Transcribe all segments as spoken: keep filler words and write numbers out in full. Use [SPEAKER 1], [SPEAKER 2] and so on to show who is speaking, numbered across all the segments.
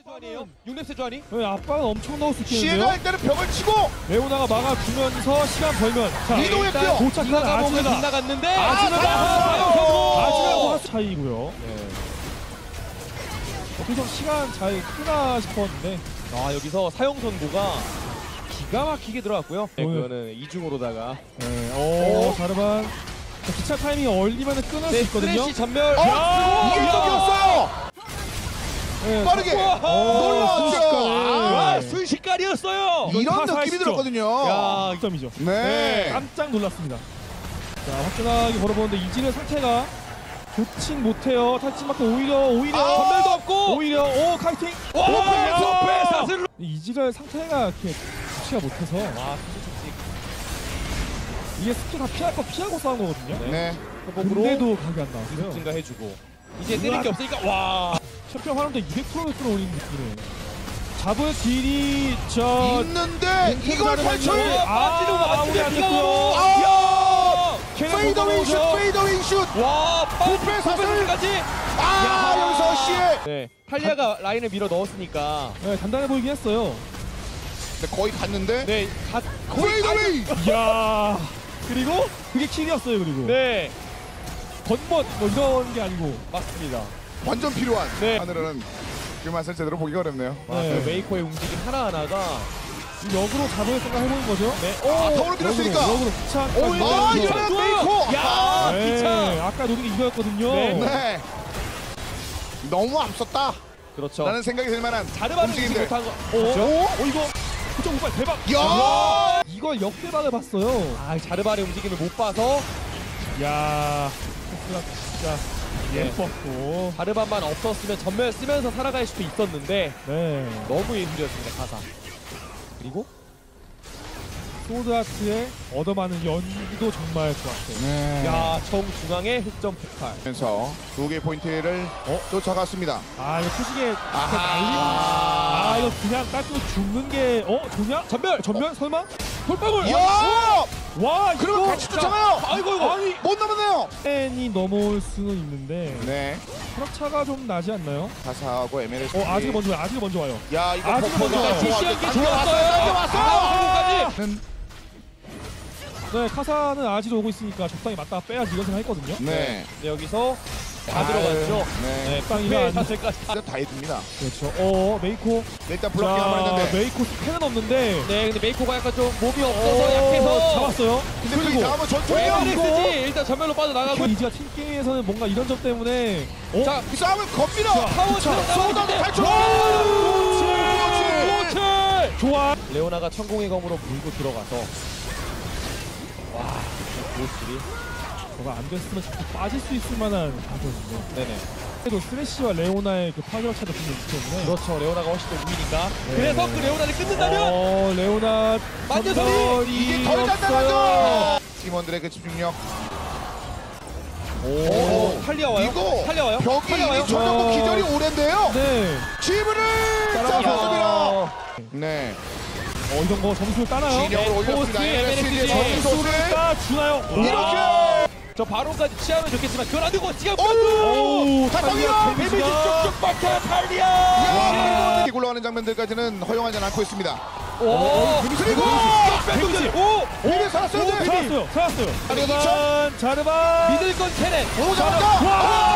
[SPEAKER 1] 아니에요? 육 렙 세주 아니?
[SPEAKER 2] 네, 압박은 엄청 넣을 수
[SPEAKER 3] 시에가
[SPEAKER 2] 있겠는데요?
[SPEAKER 3] 일단은 벽을 치고
[SPEAKER 2] 레오나가 막아주면서 시간 벌면 자
[SPEAKER 3] 이동했고요.
[SPEAKER 2] 도착한
[SPEAKER 1] 아즈가
[SPEAKER 2] 아즈가
[SPEAKER 1] 빗나갔는데
[SPEAKER 2] 아즈가
[SPEAKER 3] 사용성으로!
[SPEAKER 2] 아즈가 차이고요. 네. 그래서 시간 잘 끄나 싶었는데
[SPEAKER 1] 아 여기서 사용 선고가 기가 막히게 들어갔고요. 네,
[SPEAKER 2] 오늘-
[SPEAKER 1] 그거는 이중으로다가
[SPEAKER 2] 네. 오 자르반 자, 기차 타이밍이 얼리면 끊을
[SPEAKER 1] 네,
[SPEAKER 2] 수 있거든요.
[SPEAKER 1] 스트레시 전멸.
[SPEAKER 3] 어?
[SPEAKER 1] 야!
[SPEAKER 3] 이게 떡이었어요!
[SPEAKER 2] 네,
[SPEAKER 3] 빠르게!
[SPEAKER 1] 우와!
[SPEAKER 3] 놀라웠죠!
[SPEAKER 2] 순식간에.
[SPEAKER 3] 아,
[SPEAKER 1] 와 순식간이었어요.
[SPEAKER 2] 이건
[SPEAKER 3] 이런
[SPEAKER 2] 타사
[SPEAKER 3] 느낌이
[SPEAKER 2] 시점.
[SPEAKER 3] 들었거든요.
[SPEAKER 1] 야
[SPEAKER 2] 점이죠.
[SPEAKER 3] 네.
[SPEAKER 2] 깜짝 놀랐습니다. 자 화끈하게 걸어보는데 이질의 상태가 좋진 못해요. 탈진만큼 오히려 오히려
[SPEAKER 3] 아!
[SPEAKER 1] 전멸도 없고.
[SPEAKER 2] 오히려 오 카이팅
[SPEAKER 1] 와
[SPEAKER 2] 야!
[SPEAKER 1] 소페 사슬로.
[SPEAKER 2] 이질의 상태가 이렇게 좋지가 못해서
[SPEAKER 1] 와 수직직.
[SPEAKER 2] 이게 스킬 다 피할 거 피하고 싸운 거거든요.
[SPEAKER 3] 네.
[SPEAKER 1] 회복으로
[SPEAKER 2] 근데도 각이 안 나왔어요.
[SPEAKER 1] 증가해주고 이제 때릴 게 없으니까 와.
[SPEAKER 2] 챔피언 활용도 이백 퍼센트 끌어올리는 느낌이에요. 잡을 딜이 저
[SPEAKER 3] 있는데 이걸 탈출!
[SPEAKER 2] 아,
[SPEAKER 1] 빠지는 거
[SPEAKER 2] 아무리
[SPEAKER 1] 맞으면
[SPEAKER 2] 안
[SPEAKER 1] 비가
[SPEAKER 2] 됐고요.
[SPEAKER 1] 오고.
[SPEAKER 3] 아!
[SPEAKER 1] 야.
[SPEAKER 3] 페이더웨이 슛! 페이더웨이 슛!
[SPEAKER 1] 와
[SPEAKER 3] 부패 사슬!
[SPEAKER 1] 빠지까지.
[SPEAKER 3] 아! 여기서 시에!
[SPEAKER 1] 네 탈리아가 라인을 밀어 넣었으니까.
[SPEAKER 2] 네, 단단해 보이긴 했어요.
[SPEAKER 3] 네, 거의 갔는데
[SPEAKER 1] 네 가,
[SPEAKER 3] 페이더웨이!
[SPEAKER 2] 이야 그리고 그게 킬이었어요. 그리고
[SPEAKER 1] 네
[SPEAKER 2] 겉멋 뭐 이런 게 아니고
[SPEAKER 1] 맞습니다.
[SPEAKER 3] 완전 필요한
[SPEAKER 1] 네.
[SPEAKER 3] 하늘은 그 맛을 제대로 보기가 어렵네요.
[SPEAKER 1] 와,
[SPEAKER 2] 네.
[SPEAKER 1] 그 메이커의 움직임 하나하나가
[SPEAKER 2] 역으로 잡을 생각 해보는 거죠.
[SPEAKER 1] 네.
[SPEAKER 3] 아, 타워를 밀었으니까!
[SPEAKER 2] 역으로, 역으로 기차
[SPEAKER 3] 오, 아, 이거는 메이커!
[SPEAKER 1] 야
[SPEAKER 2] 네,
[SPEAKER 1] 기차.
[SPEAKER 2] 아까 노린 게 이거였거든요.
[SPEAKER 1] 네.
[SPEAKER 3] 네. 너무 앞섰다!
[SPEAKER 1] 그렇죠.
[SPEAKER 3] 라는 생각이 들 만한
[SPEAKER 1] 자르바는 지금
[SPEAKER 3] 움직임들.
[SPEAKER 1] 못한 거.
[SPEAKER 2] 그렇죠?
[SPEAKER 1] 어?
[SPEAKER 2] 어 이거 그쪽 오빠 대박.
[SPEAKER 3] 야!
[SPEAKER 2] 이걸 역대박을 봤어요.
[SPEAKER 1] 아 자르바의 움직임을 못 봐서
[SPEAKER 2] 야 코스가 진짜
[SPEAKER 1] 네.
[SPEAKER 2] 예뻤고.
[SPEAKER 1] 자르바만 없었으면 전멸 쓰면서 살아갈 수도 있었는데
[SPEAKER 2] 네.
[SPEAKER 1] 너무 예술이었습니다 가사. 그리고
[SPEAKER 2] 소드아트의 얻어맞는 연기도 정말 좋았어요.
[SPEAKER 3] 네.
[SPEAKER 1] 야 정중앙의 흑점 폭발.
[SPEAKER 3] 면서 두 개의 포인트를 어? 쫓아갔습니다.
[SPEAKER 2] 아 이거 표식에 이렇게
[SPEAKER 3] 아하.
[SPEAKER 2] 날리면 아 이거 그냥 깔고 죽는 게 어? 좋냐?
[SPEAKER 1] 전멸
[SPEAKER 2] 전면? 설마?
[SPEAKER 1] 돌방울.
[SPEAKER 3] 야!
[SPEAKER 2] 와
[SPEAKER 3] 그럼
[SPEAKER 2] 이거
[SPEAKER 3] 같이 쫓아가요!
[SPEAKER 1] 아이고 이거.
[SPEAKER 2] 아니
[SPEAKER 3] 못 넘었네요!
[SPEAKER 2] 팬이 넘어올 수는 있는데
[SPEAKER 3] 네.
[SPEAKER 2] 트럭차가 좀 나지 않나요?
[SPEAKER 3] 가사하고 엠엘에스.
[SPEAKER 2] 어 아직 먼저 와요. 아직 먼저 와요.
[SPEAKER 3] 야, 이거
[SPEAKER 2] 아직 먼저 와요.
[SPEAKER 1] 지시한 게
[SPEAKER 3] 당겨 왔어요!
[SPEAKER 1] 좋았어요.
[SPEAKER 3] 당겨 왔어요!
[SPEAKER 1] 아,
[SPEAKER 3] 는
[SPEAKER 2] 네 카사는 아직 오고 있으니까 적당히 맞다가 빼야지 이런 생각 했거든요.
[SPEAKER 3] 네.
[SPEAKER 1] 네, 여기서 다
[SPEAKER 3] 아유,
[SPEAKER 1] 들어갔죠.
[SPEAKER 3] 네.
[SPEAKER 1] 네,
[SPEAKER 2] 빵이가
[SPEAKER 1] 부패
[SPEAKER 2] 안-
[SPEAKER 1] 사슬까지.
[SPEAKER 3] 진짜 다 해줍니다.
[SPEAKER 2] 그렇죠. 어 메이코.
[SPEAKER 3] 일단 블록킹 한번
[SPEAKER 2] 자
[SPEAKER 3] 했는데.
[SPEAKER 2] 메이코 스펠은 없는데
[SPEAKER 1] 네, 근데 메이코가 약간 좀 몸이
[SPEAKER 2] 어,
[SPEAKER 1] 없어서 약해서
[SPEAKER 2] 잡았어요.
[SPEAKER 3] 근데 그
[SPEAKER 2] 그리고
[SPEAKER 3] 다음은 전투예요!
[SPEAKER 1] 에브리스지 일단 전멸로 빠져나가고.
[SPEAKER 2] 이지가 팀 게임에서는 뭔가 이런 점 때문에 어?
[SPEAKER 1] 자,
[SPEAKER 3] 이 싸움을 겁니다!
[SPEAKER 1] 파워
[SPEAKER 2] 그쵸.
[SPEAKER 3] 소다도 탈출!
[SPEAKER 1] 그렇지. 그렇지.
[SPEAKER 2] 좋아.
[SPEAKER 1] 레오나가 천공의 검으로 물고 들어가서 와, 모습이.
[SPEAKER 2] 저거 안 됐으면 자꾸 빠질 수 있을 만한 가거든요.
[SPEAKER 1] 네네.
[SPEAKER 2] 그래도 스레시와 레오나의 그 파괴력 차도 분명히 있기 때문에.
[SPEAKER 1] 그렇죠. 레오나가 훨씬 더 우위니까.
[SPEAKER 2] 네.
[SPEAKER 1] 그래서 그 레오나를 끊는다면
[SPEAKER 2] 어 레오나
[SPEAKER 1] 만져서리!
[SPEAKER 2] 전멸이
[SPEAKER 3] 이게 덜
[SPEAKER 2] 없어요.
[SPEAKER 3] 단단하죠! 팀원들의 그 집중력.
[SPEAKER 1] 오, 탈리아 와요?
[SPEAKER 3] 이거
[SPEAKER 1] 탈리아 와요?
[SPEAKER 3] 벽이
[SPEAKER 1] 탈리아 와요?
[SPEAKER 3] 이미 전정국 기절이 오랜데요.
[SPEAKER 2] 네.
[SPEAKER 3] 지브를
[SPEAKER 2] 따라가서.
[SPEAKER 3] 잡았습니다. 네.
[SPEAKER 2] 어 이런 거 점수를 따나요?
[SPEAKER 3] 진영을
[SPEAKER 1] 네,
[SPEAKER 3] 올렸습니다.
[SPEAKER 1] 포스트,
[SPEAKER 3] 엠엘에스지의
[SPEAKER 1] 엠엘에스지.
[SPEAKER 3] 점수를
[SPEAKER 2] 따 주나요?
[SPEAKER 3] 이렇게
[SPEAKER 1] 저 바론까지 취하면 좋겠지만 그건 안 되고 지금
[SPEAKER 2] 오,
[SPEAKER 3] 탈락이야!
[SPEAKER 1] 데미지
[SPEAKER 2] 데미지가
[SPEAKER 1] 쭉쭉 박혀 탈리아.
[SPEAKER 3] 야, 이렇게 굴러가는 장면들까지는 허용하지 않고 있습니다.
[SPEAKER 1] 오,
[SPEAKER 3] 그리고
[SPEAKER 1] 백동들. 오,
[SPEAKER 3] 비비 살았어요. 네.
[SPEAKER 2] 살았어요. 살았어요.
[SPEAKER 3] 아니,
[SPEAKER 2] 자르반 자르반
[SPEAKER 1] 믿을 건 캐넨.
[SPEAKER 3] 오, 잡았다.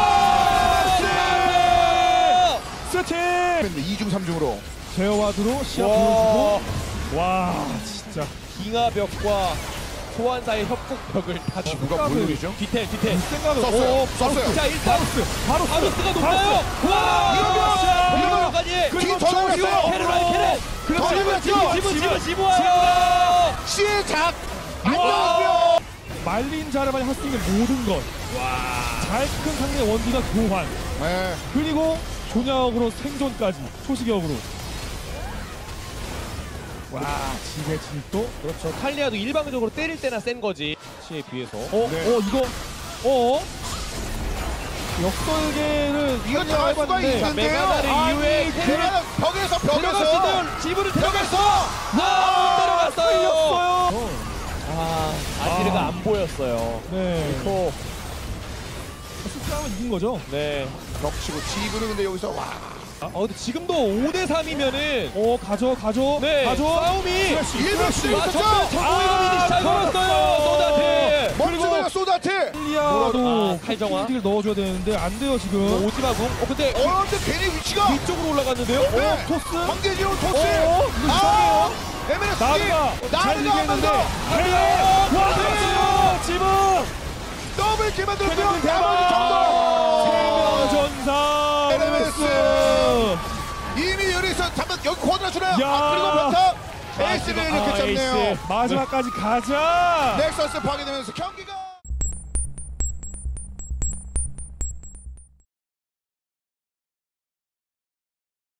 [SPEAKER 1] 와,
[SPEAKER 2] 스팅
[SPEAKER 3] 이중 삼중으로
[SPEAKER 2] 제어와드로 시야
[SPEAKER 1] 와.
[SPEAKER 2] 보여주고 와 진짜
[SPEAKER 1] 빙하벽과 소환사의 협곡벽을 다
[SPEAKER 3] 누가 물놀이죠?
[SPEAKER 1] 뒤태 뒤태.
[SPEAKER 2] 생각을
[SPEAKER 3] 썼어요.
[SPEAKER 2] 오,
[SPEAKER 3] 썼어요.
[SPEAKER 1] 자 일단
[SPEAKER 2] 바로
[SPEAKER 1] 바루스가 높아요. 와, 이러면까지.
[SPEAKER 3] 뒤 터졌어요.
[SPEAKER 1] 캐넨 와요 캐넨.
[SPEAKER 3] 그렇죠.
[SPEAKER 1] 지분
[SPEAKER 3] 지분,
[SPEAKER 1] 지분 지분 지분 와요.
[SPEAKER 3] 시작. 안
[SPEAKER 2] 와.
[SPEAKER 3] 나왔고요.
[SPEAKER 2] 말린 자르반이 할 수 있는 모든 것. 잘 큰 상대 원딜과 교환.
[SPEAKER 3] 네.
[SPEAKER 2] 그리고 종약으로 생존까지 초식역으로. 와 지배 진입도.
[SPEAKER 1] 그렇죠. 탈리아도 일방적으로 때릴 때나 센 거지. 시에 비해서.
[SPEAKER 2] 어,
[SPEAKER 3] 네.
[SPEAKER 2] 어 이거 어 역설계를
[SPEAKER 3] 이거 당할 수가
[SPEAKER 2] 해봤는데
[SPEAKER 3] 있는데요.
[SPEAKER 1] 메가나를
[SPEAKER 3] 아니,
[SPEAKER 1] 이후에
[SPEAKER 3] 그냥 벽에서 벽에서
[SPEAKER 1] 들어갔으면 지브를 들어갔어. 아, 못 들어갔어요.
[SPEAKER 2] 끌렸어요.
[SPEAKER 1] 아, 아지르가
[SPEAKER 2] 아.
[SPEAKER 1] 안 보였어요.
[SPEAKER 2] 네.
[SPEAKER 1] 또,
[SPEAKER 2] 스트하면 이긴 거죠.
[SPEAKER 1] 네.
[SPEAKER 3] 벽치고 지브는 근데 여기서 와
[SPEAKER 1] 어, 근데 지금도 오 대 삼이면은
[SPEAKER 2] 어 가져 가져
[SPEAKER 1] 네,
[SPEAKER 2] 가져.
[SPEAKER 1] 싸움이
[SPEAKER 3] 일 대 칠
[SPEAKER 1] 아,
[SPEAKER 3] 득점.
[SPEAKER 1] 정말 정보이가 미니 잘
[SPEAKER 2] 걸었어요.
[SPEAKER 1] 걸었어요. 소다트.
[SPEAKER 3] 멋지다 소다트.
[SPEAKER 2] 일리아도
[SPEAKER 1] 아, 탈정화.
[SPEAKER 2] 딜 넣어줘야 되는데 안 돼요 지금.
[SPEAKER 1] 오지마궁. 어 근데
[SPEAKER 3] 어 근데 괜히 위치가
[SPEAKER 1] 위쪽으로 올라갔는데요.
[SPEAKER 3] 네.
[SPEAKER 1] 어, 토스.
[SPEAKER 3] 황제지로 토스.
[SPEAKER 2] 어, 이거
[SPEAKER 3] 아 에메레스
[SPEAKER 2] 나르가 잘
[SPEAKER 3] 나르가 한번
[SPEAKER 2] 이기는데
[SPEAKER 3] 더.
[SPEAKER 2] 헬레 와 지금
[SPEAKER 3] 더블 킬 만들었고요.
[SPEAKER 2] 대박!
[SPEAKER 3] 나머지 정도.
[SPEAKER 2] 세명전사
[SPEAKER 3] 에르메스. 이미 여기서 잠깐 여기 코드라 주나요?
[SPEAKER 2] 야.
[SPEAKER 3] 아, 그리고 변탑 에이스를 이렇게
[SPEAKER 2] 아,
[SPEAKER 3] 잡네요.
[SPEAKER 2] 에이스. 마지막까지 가자.
[SPEAKER 3] 넥서스 파괴되면서 경기가